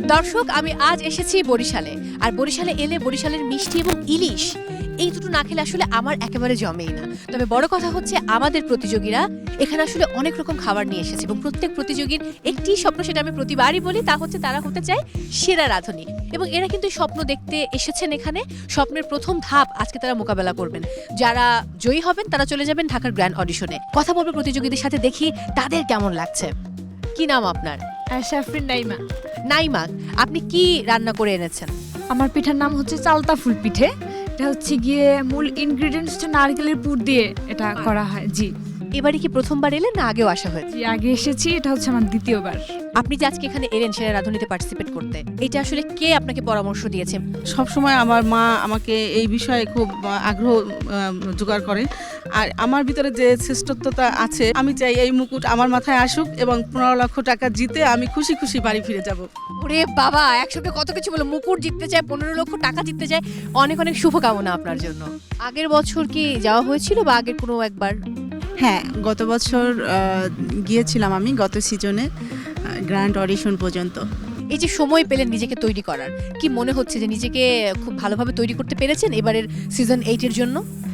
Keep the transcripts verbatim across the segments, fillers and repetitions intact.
দর্শক, আমি আজ এসেছি বরিশালে। আর বরিশালে এলে বরিশালের মিষ্টি এবং ইলিশ এই দুটো না খেলে আসলে আমার একেবারে জমেই না। তবে বড় কথা হচ্ছে আমাদের প্রতিযোগীরা এখানে আসলে অনেক রকম খাবার নিয়ে এসেছে এবং প্রত্যেক প্রতিযোগীর একটি স্বপ্ন, সেটা আমি প্রতিবারই বলি, তা হচ্ছে তারা হতে চায় সেরা রাঁধুনি। এবং এরা কিন্তু স্বপ্ন দেখতে এসেছেন এখানে। স্বপ্নের প্রথম ধাপ আজকে তারা মোকাবেলা করবেন। যারা জয়ী হবেন তারা চলে যাবেন ঢাকার গ্র্যান্ড অডিশনে। কথা বলবো প্রতিযোগীদের সাথে, দেখি তাদের কেমন লাগছে। কি নাম আপনার? শাফরিন নাইমা। নাইমা, আপনি কি রান্না করে এনেছেন? আমার পিঠার নাম হচ্ছে চালতা ফুল পিঠে। এটা হচ্ছে গিয়ে মূল ইনগ্রেডিয়েন্টস হচ্ছে নারকেলের পুর দিয়ে এটা করা হয়। জি। এবারে কি প্রথমবার এলেন না আগেও আসা হয়েছে? জি, আগে এসেছি, এটা হচ্ছে আমার দ্বিতীয়বার। আপনি যে আজকে এখানে এলেন সেরা রাঁধুনিতে পার্টিসিপেট করতে, এটা আসলে কে আপনাকে পরামর্শ দিয়েছে? সব সময় আমার মা আমাকে এই বিষয়ে খুব আগ্রহ জোগাড় করে। আর আমার ভিতরে যে শ্রেষ্ঠত্বতা আছে, আমি চাই এই মুকুট আমার মাথায় আসুক এবং পনেরো লক্ষ টাকা জিতে আমি খুশি খুশি বাড়ি ফিরে যাব। ওরে বাবা, একসঙ্গে কত কিছু বলো! মুকুট জিততে চায়, পনেরো লক্ষ টাকা জিততে চায়। অনেক অনেক শুভকামনা আপনার জন্য। আগের বছর কি যাওয়া হয়েছিল বা আগের কোনো একবার? হ্যাঁ, গত বছর গিয়েছিলাম আমি, গত সিজনে গ্র্যান্ড অডিশন পর্যন্ত। এই যে সময় পেলেন নিজেকে তৈরি করার, কি মনে হচ্ছে যে নিজেকে খুব ভালোভাবে তৈরি করতে পেরেছেন এবারের সিজন এইটের জন্য?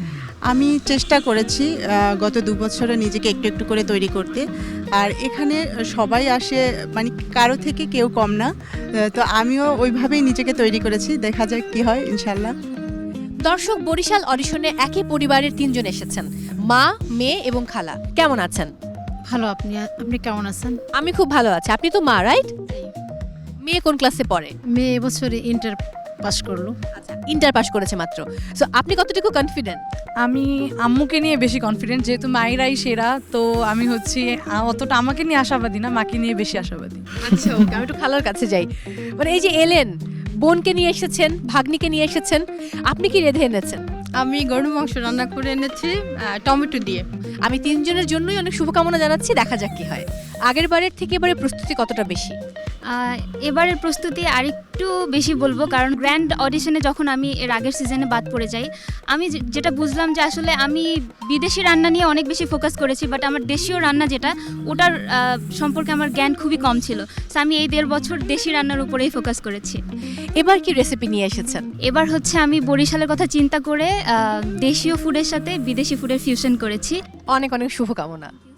আমি চেষ্টা করেছি গত দু বছরে নিজেকে একটু একটু করে তৈরি করতে। আর এখানে সবাই আসে, মানে কারো থেকে কেউ কম না, তো আমিও ওইভাবেই নিজেকে তৈরি করেছি। দেখা যাক কি হয়, ইনশাল্লাহ। দর্শক, বরিশাল অডিশনে একই পরিবারের তিনজন এসেছেন, মা, মেয়ে এবং খালা। কেমন আছেন? ভালো। আপনি আপনি কেমন আছেন? আমি খুব ভালো আছি। আপনি তো মা, রাইট? মেয়ে কোন ক্লাসে পড়ে? মেয়ে এবছরে ইন্টার পাস করলো। আচ্ছা, ইন্টার পাস করেছে মাত্র। সো আপনি কতটুকু কনফিডেন্ট? আমি আম্মুকে নিয়ে বেশি কনফিডেন্ট, যেহেতু মায়েরাই সেরা, তো আমি হচ্ছি অতটা আমাকে নিয়ে আশাবাদী না, মাকে নিয়ে বেশি আশাবাদী। আচ্ছা, ওকে, আমি একটু খালার কাছে যাই। মানে এই যে এলেন, বোনকে নিয়ে এসেছেন, ভাগ্নিকে নিয়ে এসেছেন, আপনি কি রেঁধে এনেছেন? আমি গরুর মাংস রান্না করে এনেছি টমেটো দিয়ে। আমি তিনজনের জন্যই অনেক শুভকামনা জানাচ্ছি, দেখা যাক কি হয়। আগের বারের থেকে এবারে প্রস্তুতি কতটা বেশি? এবারের প্রস্তুতি আরেকটু বেশি বলবো, কারণ গ্র্যান্ড অডিশনে যখন আমি এর আগের সিজনে বাদ পড়ে যাই, আমি যেটা বুঝলাম যে আসলে আমি বিদেশি রান্না নিয়ে অনেক বেশি ফোকাস করেছি, বাট আমার দেশীয় রান্না যেটা, ওটার সম্পর্কে আমার জ্ঞান খুবই কম ছিল। সো আমি এই দেড় বছর দেশি রান্নার উপরেই ফোকাস করেছি। এবার কি রেসিপি নিয়ে এসেছেন? এবার হচ্ছে আমি বরিশালের কথা চিন্তা করে দেশীয় ফুডের সাথে বিদেশি ফুডের ফিউশন করেছি। অনেক অনেক শুভকামনা।